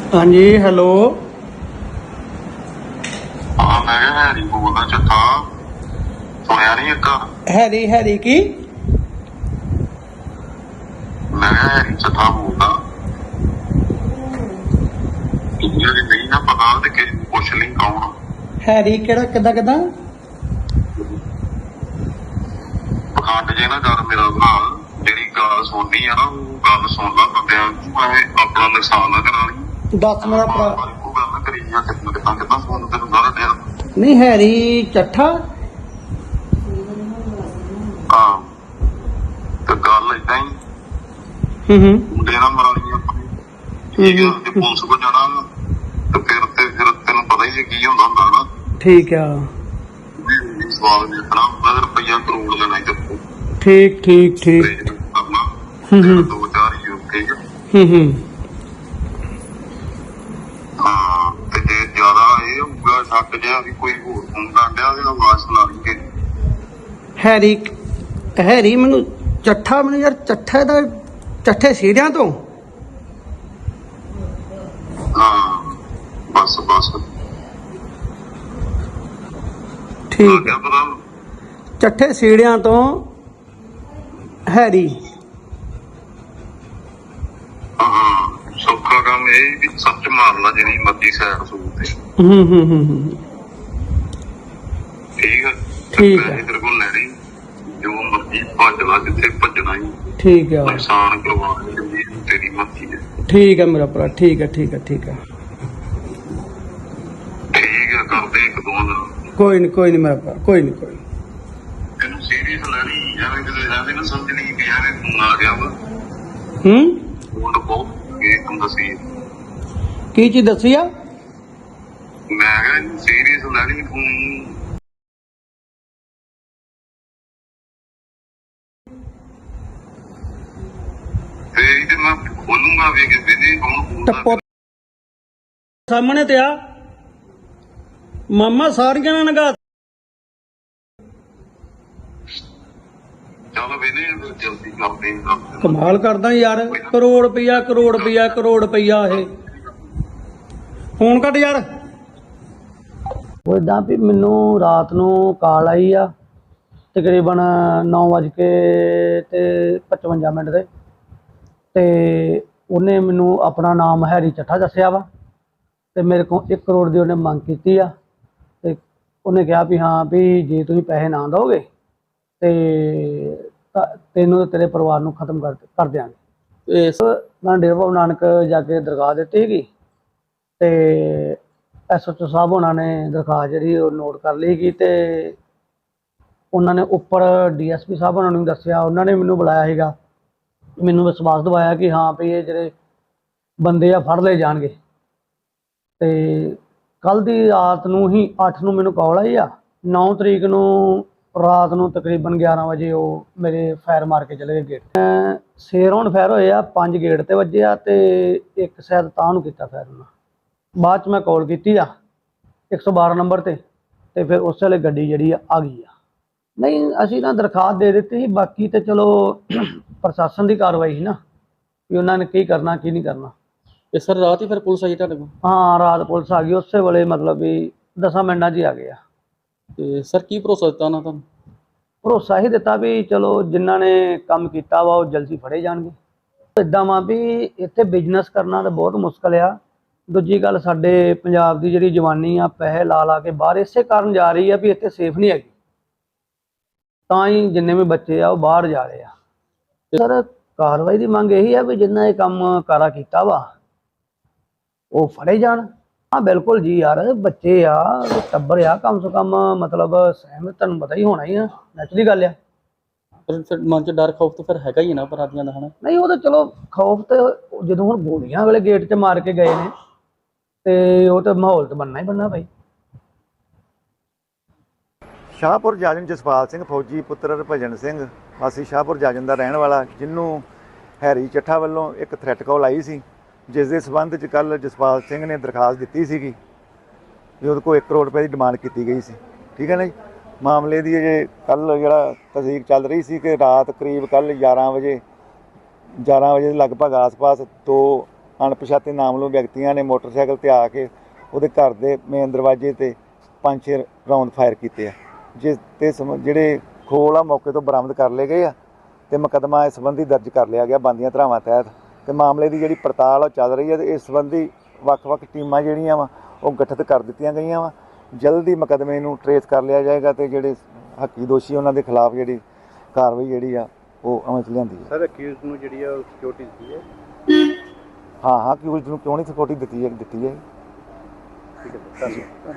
हाँ जी हेलो। हाँ मैं हैरी बोलदा चट्ठा सुनिया नहीं एक हैरी हैरी की मैं हैरी चट्ठा बोलदा दुनिया की नहीं ना पता ते कि पुछ ली कौन हैरी केड़ा किदा किदा पखंड जे ना कर मेरा भरा जेड़ी गल सुननी है ना वो गल सुन ला बंदियां मैं अपना नुकसान ना करा ली दस मेरा भरा को गल करी जा कितना फोन तेन सारा दिन नहीं हैरी चट्ठा हाँ ते गल इदां ही मुंडे ना मरानी अपनी ठीक है जे पुलिस को जाना तो फिर तेन पता ही है की होंदा ना ठीक है सवाल देखना अगर रुपया करोड़ लेना तो ठीक ठीक ठीक करना दो चार ही ठीक है हाँ ते जे ज्यादा ये होगा शक जिहा भी कोई होर फोन कर दिया ते आवाज सुना लेंगे हैरी हैरी मैनू चट्ठा मैनू यार चट्ठे दा चट्ठे सीढ़ियां तो हाँ बस बस ठीक क्या पता चट्ठे सीढ़ियां तो हैरी हाँ सौखा काम ये भी सच मार ला जिनी मर्जी सैर सूर ते ठीक है ठीक है। तेरे को लैनी जो मर्जी भज ला जिथे भजना ही ठीक है नुकसान करवा तेरी मर्जी है ठीक है मेरा भरा ठीक है ठीक है ठीक है ठीक है कर दे एक दो दिन कोई नहीं मेरा भरा कोई नहीं तेनू सीरियस लेनी एवं किसी ऐसे ना समझनी कि एवं फोन आ गया वा फोन बहुत ये तुम दसी की चीज दसी आ मैं कहा सीरियस लेनी फोन ते मैं खोलूंगा भी कि दिन कौन टप्पो सामने ते आ मामा सारियां ना नगा चलो वेने जल्दी करते हैं कमाल करदा यार करोड़ रुपया ਇਹ ਫੋਨ ਕੱਟ ਯਾਰ ਉਹ ਇਦਾਂ ਵੀ ਮੈਨੂੰ ਰਾਤ ਨੂੰ ਕਾਲ ਆਈ ਆ ਤਕਰੀਬਨ 9:55 ਤੇ ਤੇ ਉਹਨੇ ਮੈਨੂੰ ਆਪਣਾ ਨਾਮ ਹੈਰੀ ਚੱਠਾ ਦੱਸਿਆ ਵਾ ਤੇ ਮੇਰੇ ਕੋਲ 1 ਕਰੋੜ ਦੀ ਉਹਨੇ ਮੰਗ ਕੀਤੀ ਆ ਤੇ ਉਹਨੇ ਕਿਹਾ ਵੀ ਹਾਂ ਵੀ ਜੇ ਤੁਸੀਂ ਪੈਸੇ ਨਾ ਦਿਓਗੇ ਤੇ ਤੈਨੂੰ ਤੇਰੇ ਪਰਿਵਾਰ ਨੂੰ ਖਤਮ ਕਰ ਦਿਆਂਗੇ। ਇਸ ਮੈਂ ਡੇਰਾ ਬਾਬਾ ਨਾਨਕ ਜਾ ਕੇ ਦਰਗਾਹ ਦਿੱਤੀ ਸੀਗੀ ਤੇ SHO ਸਾਹਿਬ ਉਹਨਾਂ ਨੇ ਦਰਖਾਸਤ ਜਿਹੜੀ ਉਹ ਨੋਟ ਕਰ ਲਈ ਸੀਗੀ ਤੇ ਉਹਨਾਂ ਨੇ ਉੱਪਰ DSP ਸਾਹਿਬ ਉਹਨਾਂ ਨੂੰ ਦੱਸਿਆ ਉਹਨਾਂ ਨੇ ਮੈਨੂੰ ਬੁਲਾਇਆ ਸੀਗਾ ਮੈਨੂੰ ਵਿਸ਼ਵਾਸ ਦਿਵਾਇਆ ਕਿ ਹਾਂ ਵੀ ਇਹ ਜਿਹੜੇ ਬੰਦੇ ਆ ਫੜ ਲਏ ਜਾਣਗੇ ਤੇ ਕੱਲ ਦੀ ਰਾਤ ਨੂੰ ਹੀ 8 ਨੂੰ ਮੈਨੂੰ ਕਾਲ ਆਈ ਆ 9 ਤਰੀਕ ਨੂੰ ਰਾਤ ਨੂੰ ਤਕਰੀਬਨ 11 ਵਜੇ ਉਹ ਮੇਰੇ ਫਾਇਰ ਮਾਰ ਕੇ ਚਲੇ ਗਏ ਗੇਟ 6 ਰਾਉਂਡ ਫਾਇਰ ਹੋਏ ਆ 5 ਗੇਟ ਤੇ ਵੱਜੇ ਆ ਤੇ ਇੱਕ ਸ਼ਾਇਦ ਤਾਂ ਨੂੰ ਕੀਤਾ ਫਾਇਰ ਉਹਨਾਂ ਬਾਅਦ ਚ ਮੈਂ ਕਾਲ ਕੀਤੀ ਆ 112 ਨੰਬਰ ਤੇ ਫਿਰ ਉਸ ਵੇਲੇ ਗੱਡੀ ਜਿਹੜੀ ਆ ਗਈ ਆ ਨਹੀਂ ਅਸੀਂ ਨਾ ਦਰਖਾਸਤ ਦੇ ਦਿੱਤੀ ਸੀ ਬਾਕੀ ਤੇ ਚਲੋ ਪ੍ਰਸ਼ਾਸਨ ਦੀ ਕਾਰਵਾਈ ਸੀ ਨਾ ਵੀ ਉਹਨਾਂ ਨੇ ਕੀ ਕਰਨਾ ਕੀ ਨਹੀਂ ਕਰਨਾ। ਤੇ ਸਰ ਰਾਤ ਹੀ ਫਿਰ ਪੁਲਿਸ ਆਈ ਤੁਹਾਡੇ ਕੋਲ? ਹਾਂ ਰਾਤ ਪੁਲਿਸ ਆ ਗਈ ਉਸੇ ਵੇਲੇ ਮਤਲਬ ਵੀ 10 ਮਿੰਟਾਂ 'ਚ ਹੀ ਆ ਗਏ ਆ। ਤੇ ਸਰ ਕੀ ਭਰੋਸਾ ਦਿੱਤਾ ਉਹਨਾਂ ਤੁਹਾਨੂੰ? ਭਰੋਸਾ ਹੀ ਦਿੱਤਾ ਵੀ ਚਲੋ ਜਿਨ੍ਹਾਂ ਨੇ ਕੰਮ ਕੀਤਾ ਵਾ ਉਹ ਜਲਦੀ ਫੜੇ ਜਾਣਗੇ। ਇੱਦਾਂ ਵਾ ਵੀ ਇੱਥੇ ਬਿਜ਼ਨਸ ਕਰਨਾ ਤਾਂ ਬਹੁਤ ਮੁਸ਼ਕਲ ਆ। ਦੂਜੀ ਗੱਲ ਸਾਡੇ ਪੰਜਾਬ ਦੀ ਜਿਹੜੀ ਜਵਾਨੀ ਆ ਪੈਸੇ ਲਾ ਕੇ ਬਾਹਰ ਇਸੇ ਕਾਰਨ ਜਾ ਰਹੀ ਆ ਵੀ ਇੱਥੇ ਸੇਫ ਨਹੀਂ ਹੈਗੀ ਤਾਂ ਹੀ ਜਿੰਨੇ ਵੀ ਬੱਚੇ ਆ ਉਹ ਬਾਹਰ ਜਾ ਰਹੇ ਆ। ਸਰ ਕਾਰਵਾਈ ਦੀ ਮੰਗ ਇਹੀ ਆ ਵੀ ਜਿੰਨਾ ਇਹ ਕੰਮ ਕਾਰਾ ਕੀਤਾ ਵਾ ਉਹ ਫੜੇ ਜਾਣ। हाँ बिल्कुल जी यार बच्चे आ टब्बर आ कम से कम मतलब सहमत तुहानूं पता ही होना ही है नैचुरली गल आ। ਫਿਰ ਮਨ 'ਚ ਡਰ ਖੌਫ ਤਾਂ ਫਿਰ ਹੈਗਾ ਹੀ ਨਾ ਅਪਰਾਧੀਆਂ ਦਾ ਹਨਾ? नहीं वो तो चलो खौफ तो जो हुण गोलियां वाले गेट च मार के गए ने ते वो तो माहौल तो बनना ही बनना भाई। शाहपुर जाजन जसपाल सिंह फौजी पुत्र हरभजन सिंह वासी शाहपुर जाजन का रहने वाला जिन्हों हैरी ਚੱਠਾ ਵੱਲੋਂ एक थ्रैट कॉल आई सी जिस के संबंध च कल जसपाल सिंह ने दरखास्त दी सी भी वो 1 करोड़ रुपए की डिमांड की गई सी। ठीक है ना जी। मामले की अजे कल जो तस्दीक चल रही सी कि रात करीब कल 11 बजे लगभग आस पास 2 ਅਣਪਛਾਤੇ ਨਾਮਲੂਮ ਵਿਅਕਤੀਆਂ ਨੇ ਮੋਟਰਸਾਈਕਲ ਤੇ ਆ ਕੇ ਉਹਦੇ ਘਰ ਦੇ ਮੇਨ ਦਰਵਾਜ਼ੇ ਤੇ 5-6 ਰਾਉਂਡ ਫਾਇਰ ਕੀਤੇ ਆ, ਜਿਸ ਤੇ ਜਿਹੜੇ ਖੋਲ ਆ ਮੌਕੇ ਤੋਂ ਬਰਾਮਦ ਕਰ ਲਏ ਗਏ ਆ ਤੇ ਮੁਕੱਦਮਾ ਇਸ ਸੰਬੰਧੀ ਦਰਜ ਕਰ ਲਿਆ ਗਿਆ ਬੰਦੀਆਂ ਧਾਰਾਵਾਂ ਤਹਿਤ। ਤੇ ਮਾਮਲੇ ਦੀ ਜਿਹੜੀ ਪੜਤਾਲ ਉਹ ਚੱਲ ਰਹੀ ਹੈ ਤੇ ਇਸ ਸੰਬੰਧੀ ਵੱਖ-ਵੱਖ ਟੀਮਾਂ ਜਿਹੜੀਆਂ ਵਾ ਉਹ ਗਠਿਤ ਕਰ ਦਿੱਤੀਆਂ ਗਈਆਂ ਵਾ। ਜਲਦੀ ਮੁਕੱਦਮੇ ਨੂੰ ਟਰੇਸ ਕਰ ਲਿਆ ਜਾਏਗਾ ਤੇ ਜਿਹੜੇ ਹੱਕੀ ਦੋਸ਼ੀ ਉਹਨਾਂ ਦੇ ਖਿਲਾਫ ਜਿਹੜੀ ਕਾਰਵਾਈ ਜਿਹੜੀ ਆ ਉਹ ਅਮਲ 'ਚ ਲਿਆਂਦੀ ਹੈ। ਸਰ ਅਕਿਊਜ਼ ਨੂੰ ਜਿਹੜੀ ਆ ਸਿਕਿਉਰਿਟੀ ਦਿੱਤੀ ਹੈ? ਹਾਂ ਕਿ ਉਸ ਨੂੰ ਕਿਉਂ ਨਹੀਂ ਸਿਕਿਉਰਿਟੀ ਦਿੱਤੀ ਹੈ। ਠੀਕ ਹੈ ਸਰ, ਧੰਨਵਾਦ।